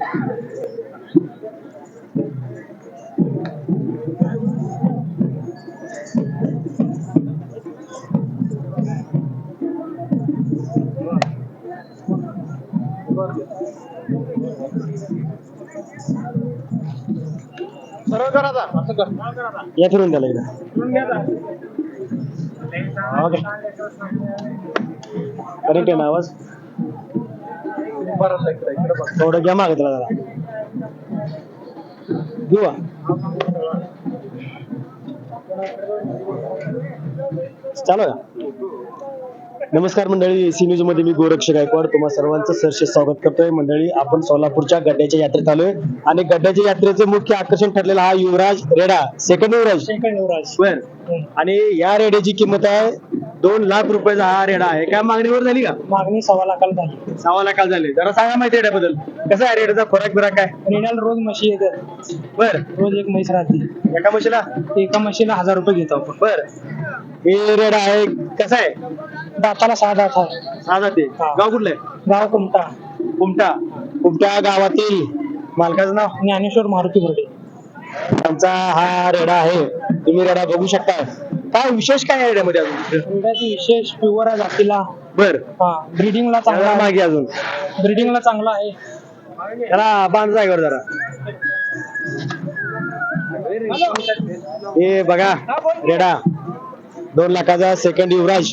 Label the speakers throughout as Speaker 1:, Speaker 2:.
Speaker 1: सरळ करा आता, असं कर. या फिरून त्याला एकदा. ओके. करेक्ट आहे ना आवाज? थोडं घ्या मागे त्याला जरा. घेऊ चालू का? नमस्कार मंडळी, सी न्यूज मध्ये मी गोरक्ष गायकवाड तुम्हा सर्वांचं सहर्ष स्वागत करतोय. मंडळी, आपण सोलापूरच्या गड्ड्याच्या यात्रेत आलोय आणि गड्ड्याच्या यात्रेचे मुख्य आकर्षण ठरलेला हा युवराज रेडा, सेकंड युवराज. बर. आणि या रेड्याची किंमत आहे 2 लाख रुपयाचा हा रेडा आहे. काय मागणीवर झाली का?
Speaker 2: मागणी 1.25 लाखाला झाली.
Speaker 1: 1.25 लाखाला झाली. जरा सांगा माहिती रेड्याबद्दल. कसा आहे रेड्याचा खोराक बिराक काय?
Speaker 2: रेड्याला रोज म्हशी येतात.
Speaker 1: बर.
Speaker 2: रोज एक म्हैस राहते.
Speaker 1: एका म्हशीला
Speaker 2: 1000 रुपये घेतो आपण.
Speaker 1: बर. हे रेडा आहे, कसा आहे?
Speaker 2: दाताला 6 दात आहे.
Speaker 1: 6 जाते. गाव कुठलं आहे?
Speaker 2: गाव कुमटा.
Speaker 1: कुमटा गावातील मालकाचं नाव?
Speaker 2: ज्ञानेश्वर मारुती बर्डे.
Speaker 1: त्यांचा हा रेडा आहे, तुम्ही रेडा बघू शकता. काय विशेष काय आहे रेड्यामध्ये अजून?
Speaker 2: रेड्याची विशेष प्युअर जातीला.
Speaker 1: बर.
Speaker 2: ब्रीडिंगला चांगला आहे.
Speaker 1: मागे अजून
Speaker 2: ब्रीडिंगला चांगला आहे.
Speaker 1: त्याला बांध जागेवर जरा. हे बघा रेडा 2 लाखाचा सेकंड युवराज.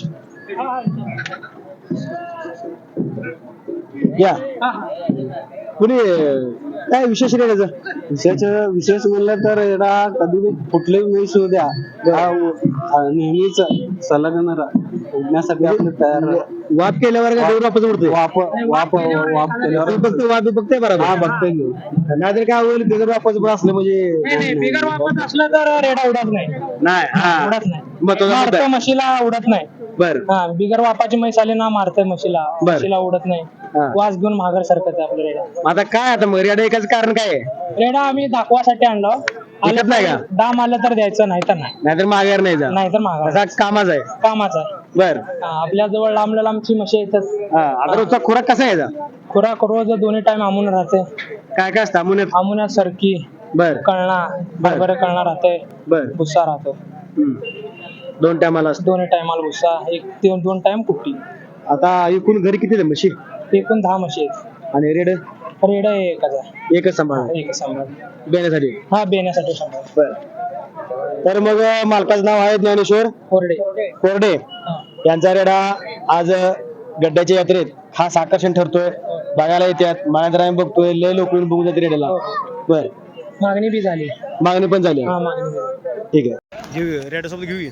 Speaker 1: या कुणी काय विशेष रेड्याचं?
Speaker 3: विशेष म्हणलं तर एडा कधी कुठलेही म्हैस होऊ द्या, नेहमीच संलग्न उडण्यासाठी आपले तयार.
Speaker 1: वाप केल्यावर का देऊन वापस उडतोय?
Speaker 3: वाप केल्यावर
Speaker 1: वाप बघते बरोबर.
Speaker 3: हा बघतोय.
Speaker 1: नाहीतर काय होईल, बिगर वापस असलं म्हणजे
Speaker 2: बिगर वापस असलं तर रेडा उडत नाही. उडत नाही. मारतोय म्हशीला, उडत नाही.
Speaker 1: बर.
Speaker 2: बिगर वापाची म्हैस आली ना, मारतोय म्हशीला उडत नाही. वास घेऊन माघार सरकत आपलं रेडा.
Speaker 1: आता काय आता मग रेडा एकाच कारण काय आहे?
Speaker 2: रेडा आम्ही दाखवासाठी आणलो.
Speaker 1: विकत नाही का?
Speaker 2: दाम आलं तर द्यायचं, नाही तर नाही.
Speaker 1: नाहीतर माघार नाही जा.
Speaker 2: नाहीतर माघार.
Speaker 1: असा कामाच आहे.
Speaker 2: कामाचा आहे.
Speaker 1: बर.
Speaker 2: आपल्या जवळ लांबची म्हशी येतात.
Speaker 1: आता रोजचा खुराक कसा आहे?
Speaker 2: खुराक रोज 2 टाइम आमून राहते.
Speaker 1: काय काय असतं आमुन्यात?
Speaker 2: आमुन्यात सरकी,
Speaker 1: बर,
Speaker 2: कळणा, हरभरे कळणा राहते.
Speaker 1: बर.
Speaker 2: भुस्सा राहतो.
Speaker 1: 2 टायमाला असतो.
Speaker 2: 2 टायमाला भुस्सा, 2 टाइम कुट्टी.
Speaker 1: आता एकूण घरी किती म्हशी?
Speaker 2: एकूण 10 म्हशी आहेत.
Speaker 1: आणि रेड?
Speaker 2: रेड
Speaker 1: एकच सांभाळ.
Speaker 2: एकच सांभाळ.
Speaker 1: बेण्यासाठी?
Speaker 2: हा, बेण्यासाठी सांभाळ.
Speaker 1: बर. तर मग मालकाचं नाव आहे ज्ञानेश्वर कोरडे. यांचा रेडा आज गड्ड्याच्या यात्रेत खास आकर्षण ठरतोय. बघायला येतात, मागणी आम्ही बघतोय, लय लोक येऊन बघून जाते रेड्याला. बर.
Speaker 2: मागणी बी झाली.
Speaker 1: मागणी पण झाली.
Speaker 2: हा, मागणी.
Speaker 1: ठीक आहे, घेऊया रेडा सोबत घेऊया.